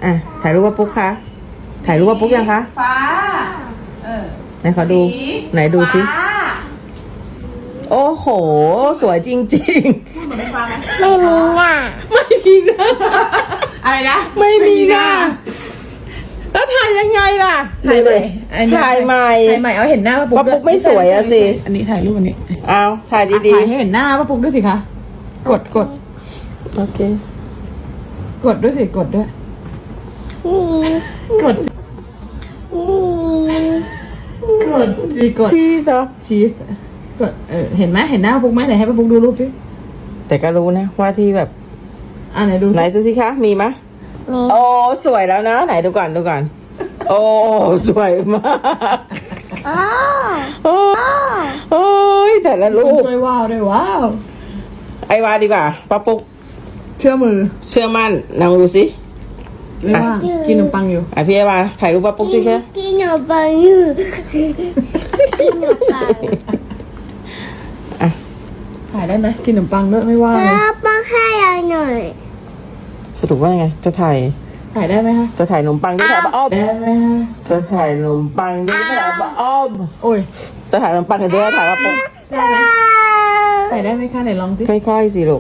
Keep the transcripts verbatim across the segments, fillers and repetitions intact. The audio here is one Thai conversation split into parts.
อ่ะถ่ายรูปว่าปุ๊กคะถ่ายรูปว่าปุ๊กยังคะฟ้าเออไหนขอดูไหนดูสิฟ้าโอ้โหสวยจริงพูดเหมือนเป็นฟ้าไหมไม่มีหน้าๆ ไม่มีหน้าอะไรนะไม่มีหน้าแล้วถ่ายยังไงล่ะถ่ายใหม่อันนี้ถ่ายใหม่ถ่ายใหม่เอาเห็นหน้าป้าปุ๊กป้าปุ๊กไม่สวยอะสิอันนี้ถ่ายรูปอันนี้เอาถ่ายดีถ่ายให้เห็นหน้าป้าปุ๊กด้วยสิคะกดกดๆโอเคกดด้วยสิกดด้วยนี่กดนี่กดดีกดชีสเหรอชีสกดเออเห็นไหมเห็นหน้าป้าปุ๊กไหมไหนให้ป้าปุ๊กดูรูปสิแต่ก็รู้นะว่าที่แบบอ่าไหนดูสิไหนดูสิคะมีไหมยนี่โอ้สวยแล้วนะไหนดูก่อนดูก่อนโอ้สวยมากอ๋อโอ้โอ้ยแต่ละรูคนปช่วยว้าวด้วยว้าวไอวาดีกว่าป้าปุ๊กเชื่อมือเชื่อมั่นลองดูสิไม่ว่างกินขนมปังอยู่อ่ะพี่ไอวาถ่ายรูปป้าปุ๊กสิคะกินขนมปังอยู่กินขนมปังอ่ะถ่ายได้ไหมกินขนมปังด้วยไม่ว่างเลยแล้วป้าให้เราหน่อยสรุปว่าไงจะถ่ายถ่ายได้ไหมคะจะถ่ายขนมปังด้วยถ่ายป้าอ้อมได้ไหมคะจะถ่ายขนมปังด้วยถ่ายป้าอ้อมโอ้ยจะถ่ายขนมปังกันด้วยถ่ายป้าปุ๊กได้ไหมถ่ายได้ไหมคะไหนลองสิค่อยๆสิลูก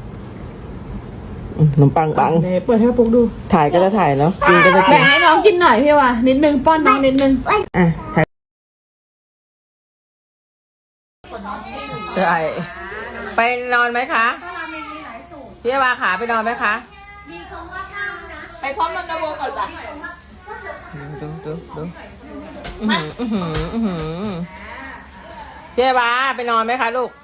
อืมขนมปังปังไหนเปิดให้ปุ๊กดูถ่ายก็จะถ่ายเนาะกินก็จะกิแบ่นงให้น้องกินหน่อยพี่ว่ะนิดนึงป้อนน้องนิดนึงอ่ะถ่ายถ่ายไปนอนไหมคะพี่วาขาไปนอนไหมคะไปพร้อมนอนกระโบก่อนป่ะดูดูดูอื้อหืออื้อหืออื้อหือพี่วาไปนอนไหมคะลูก